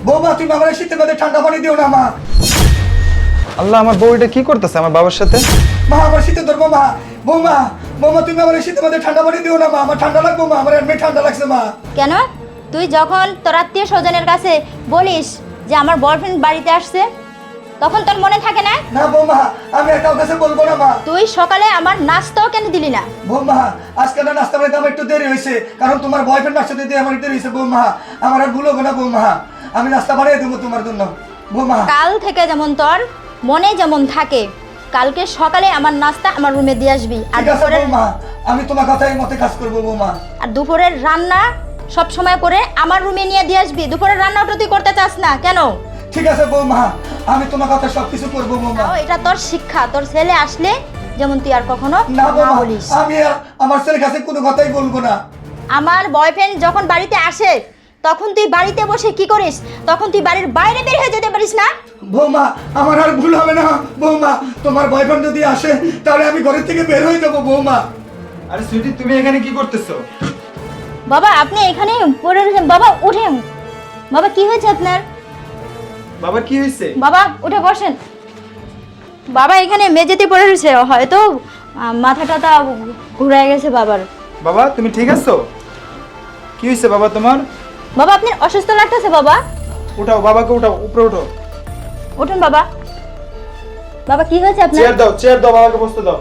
বৌমা তুমি আমার শীতের মধ্যে ঠান্ডা পানি দিও না মা। আল্লাহ, আমার বউ এটা কি করতেছে আমার বাবার সাথে? মা আমার শীতে ধরবো মা। বৌমা বৌমা তুমি আমার শীতের মধ্যে ঠান্ডা পানি দিও না মা, আমার ঠান্ডা লাগবো মা, আমার এমনি ঠান্ডা লাগছে মা। কেন তুই যখন তোর আত্মীয় স্বজনের কাছে বলিস যে আমার বয়ফ্রেন্ড বাড়িতে আসছে, তখন তোর মনে থাকে না? না বৌমা, আমি আর কারোর কাছে বলবো না মা। তুই সকালে আমার নাস্তাও কেন দিলি না? বৌমা আজকে না নাস্তা বাড়িতে আমার একটু দেরি হয়েছে, কারণ তোমার বয়ফ্রেন্ড আসতে দিয়ে আমার দেরি হয়েছে বৌমা। আমার আর ভুল হবে না বৌমা, আমি নাস্তা বানিয়ে দেবো তোমার জন্য বৌমা। কাল থেকে যেমন তোর মনে যেমন থাকে, কালকে সকালে আমার নাস্তা আমার রুমে দিয়ে আসবি। আর ঠিক আছে দুপুরের বৌমা, আমি তোমার কথাই মতে কাজ করবো বৌমা। আর দুপুরের রান্না সব সময় করে আমার রুমে নিয়ে দিয়ে আসবি। দুপুরের রান্নাটা তুই করতে চাস না কেন? ঠিক আছে বৌমা, আমি তোমার কথা সবকিছু করবো বৌমা। তাও এটা তোর শিক্ষা, তোর ছেলে আসলে যেমন তুই আর কখনো না না বৌমা, বলিস। আমি আর আমার ছেলের কাছে কোনো কথাই বলবো না। আমার বয়ফ্রেন্ড যখন বাড়িতে আসে তখন তুই বাড়িতে বসে কি করিস? তখন তুই বাড়ির বাইরে বের হয়ে যেতে পারিস না? বৌমা আমার আর ভুল হবে না বৌমা, তোমার বয়ফ্রেন্ড যদি আসে তাহলে আমি ঘরের থেকে বের হয়ে যাবো বৌমা। আরে সুইটি, তুমি এখানে কি করতেছো? বাবা আপনি এখানে পড়ে রয়েছেন। বাবা উঠেন। বাবা কি হয়েছে আপনার? বাবা কি হয়েছে? বাবা উঠে বসেন। বাবা এখানে মেঝেতে পড়ে রয়েছে, হয়তো মাথাটা ঘুরে গেছে বাবার। বাবা তুমি ঠিক আছো? কি হয়েছে বাবা তোমার? বাবা আপনার অসুস্থ লাগতেছে বাবা? উঠাও বাবাকে, উঠাও, উপরে উঠো। উঠুন বাবা। বাবা কি হয়েছে আপনার? চেয়ার দাও, বাবাকে বসতে দাও।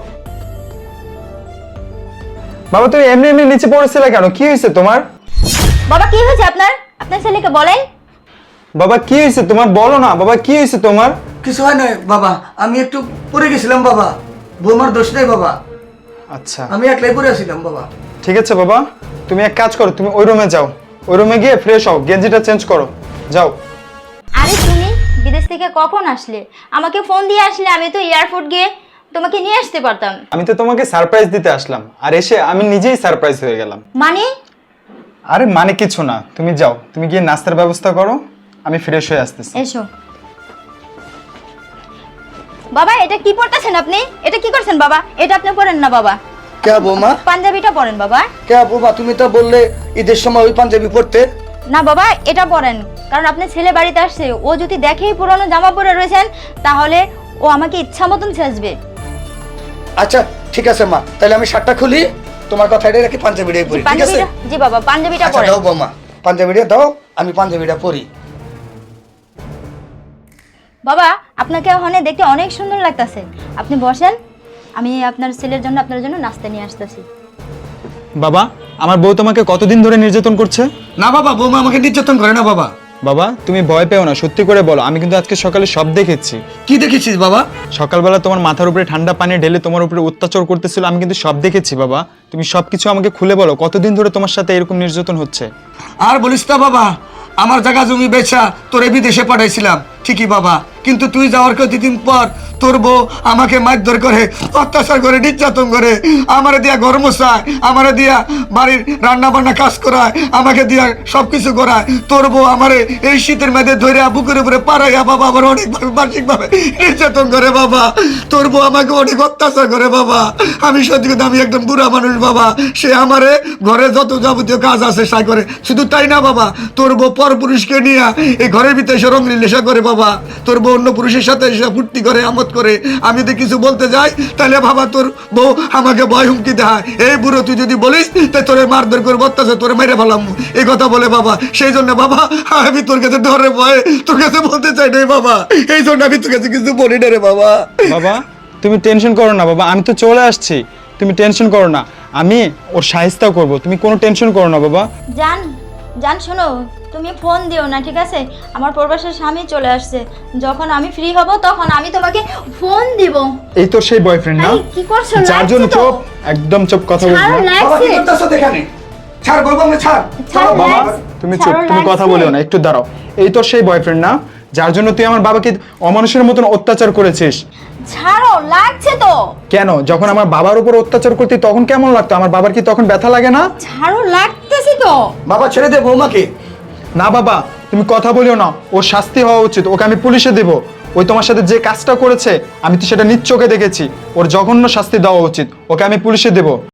বাবা তুমি এমনি এমনি নিচে পড়েছিলে কেন? কি হয়েছে তোমার? বাবা কি হয়েছে আপনার? আপনার ছেলেকে বলেন। বাবা কি হয়েছে তোমার? বলো না বাবা, কি হয়েছে তোমার? কিছু হয় না বাবা, আমি একটু পড়ে গেছিলাম বাবা, বৌমার দোষ নেই বাবা, আচ্ছা আমি একলাই পড়ে আসছিলাম বাবা। ঠিক আছে বাবা, তুমি এক কাজ করো, তুমি ওই রুমে যাও, ওই রুমে গিয়ে ফ্রেশ হও, গেঞ্জিটা চেঞ্জ করো, যাও। আরে তুমি বিদেশ থেকে কখন আসলে? আমাকে ফোন দিয়ে আসলে আমি তো এয়ারপোর্ট গিয়ে তোমাকে নিয়ে আসতে পারতাম। আমি তো তোমাকে সারপ্রাইজ দিতে আসলাম, আর এসে আমি নিজেই সারপ্রাইজ হয়ে গেলাম। মানে? আরে মানে কিছু না, তুমি যাও, তুমি গিয়ে নাস্তার ব্যবস্থা করো, আমি ফ্রেশ হয়ে আসতেছি। এসো। বাবা এটা কি পড়তেছেন আপনি? এটা কি করছেন বাবা? এটা আপনি পরেন না বাবা। কে বৌমা? পাঞ্জাবিটা পরেন বাবা। কে বৌমা, তুমি তো বললে ঈদের সময় ওই পাঞ্জাবি পরতে। না বাবা এটা পরেন, কারণ আপনার ছেলে বাড়িতে আসছে, ও যদি দেখেই পুরনো জামা পরে রয়েছেন তাহলে ও আমাকে ইচ্ছা মতন ছেঁচবে। আচ্ছা ঠিক আছে মা, তাহলে আমি শার্টটা খুলি, তোমার কথা এটা রাখি, পাঞ্জাবিটাই পরি, ঠিক আছে? জি বাবা পাঞ্জাবিটা আচ্ছা পরেন। দাও বৌমা, পাঞ্জাবিটা দাও, আমি পাঞ্জাবিটা পরি। বাবা আপনাকে ওখানে দেখতে অনেক সুন্দর লাগতেছে, আপনি বসেন, আমি আপনার ছেলের জন্য আপনার জন্য নাস্তা নিয়ে আসতেছি। বাবা আমার বউ তোমাকে কতদিন ধরে নির্যাতন করছে? না বাবা, বৌমা আমাকে নির্যাতন করে না বাবা। বাবা তুমি ভয় পেও না, সত্যি করে বলো, আমি কিন্তু আজকে সকালে সব দেখেছি। কি দেখেছিস বাবা? সকালবেলা তোমার মাথার উপরে ঠান্ডা পানি ঢেলে তোমার উপরে অত্যাচার করতেছিল, আমি কিন্তু সব দেখেছি। বাবা তুমি সবকিছু আমাকে খুলে বলো, কতদিন ধরে তোমার সাথে এরকম নির্যাতন হচ্ছে? আর বলিস না বাবা, আমার জায়গা জমি বেচা তোরে বিদেশে পাঠাইছিলাম ঠিকই বাবা, কিন্তু তুই যাওয়ার কতদিন পর তোর বউ আমাকে মারধর করে, অত্যাচার করে, নির্যাতন করে, আমারে দিয়া ঘর মোছায়, আমারে দিয়া বাড়ির রান্না বান্না কাজ করায়, আমাকে দিয়া সবকিছু করায়। তোর বউ আমারে এই শীতের মেয়েদে ধরে বুকের উপরে পাড়াইয়া বাবা আমার অনেকভাবে মানসিকভাবে নির্যাতন করে বাবা। তোর বউ আমাকে অনেক অত্যাচার করে বাবা। আমি সত্যি কথা, আমি একদম বুড়া মানুষ বাবা, সে আমারে ঘরে যত যাবতীয় কাজ আছে সাই করে। শুধু তাই না বাবা, তোর বউ পর পুরুষকে নিয়ে এই ঘরের ভিতরে এসে রঙিন নেশা করে বাবা। তোর বউ অন্য পুরুষের সাথে এসে ফুর্তি করে, আমোদ করে। আমি যদি কিছু বলতে যাই তাহলে বাবা তোর বউ আমাকে ভয় হুমকি দেয়, এই বুড়ো তুই যদি বলিস তাই তোরে মারধর করবো, অত্যাচার তোরে মেরে ফেলাম, এই কথা বলে বাবা। সেই জন্য বাবা আমি তোর কাছে ডরে ভয়ে তোর কাছে বলতে চাই না বাবা, এই জন্য আমি তোর কাছে কিছু বলি না রে বাবা। বাবা তুমি টেনশন করো না বাবা, আমি তো চলে আসছি, তুমি টেনশন করো না, আমি ওর সাহায্য করব, তুমি কোনো টেনশন করো না বাবা। জান জান শোনো, তুমি ফোন দিও না ঠিক আছে? আমার প্রবাসের স্বামী চলে আসছে, যখন আমি ফ্রি হব তখন আমি তোমাকে ফোন দিব। এই তো সেই বয়ফ্রেন্ড না এই, কি করছো? যার জন্য লাগছে তো। চুপ, একদম চুপ, কথা বলবো ছাড়ো, না। বাবা কি লাগছে। করতেছ এখানে? ছাড় বলবো আমরা, ছাড়। ছাড়ো, বাবা লাগছে। তুমি চুপ, ছাড়ো, তুমি কথা লাগছে। বলিও না, একটু দাঁড়াও। এই তো সেই বয়ফ্রেন্ড না যার জন্য তুই আমার বাবাকে অমানুষের মতন অত্যাচার করেছিস? ছাড়ো, লাগছে তো। কেন, যখন আমার বাবার উপর অত্যাচার করতি তখন কেমন লাগতো? আমার বাবার কি তখন ব্যথা লাগে না? ছাড়ো, লাগতেছে তো। বাবা ছেড়ে দে বৌমাকে। না বাবা তুমি কথা বলিও না, ওর শাস্তি হওয়া উচিত, ওকে আমি পুলিশে দেব। ওই তোমার সাথে যে কাজটা করেছে আমি তো সেটা নিজ চোখে দেখেছি, ওর জঘন্য শাস্তি দেওয়া উচিত, ওকে আমি পুলিশে দেব।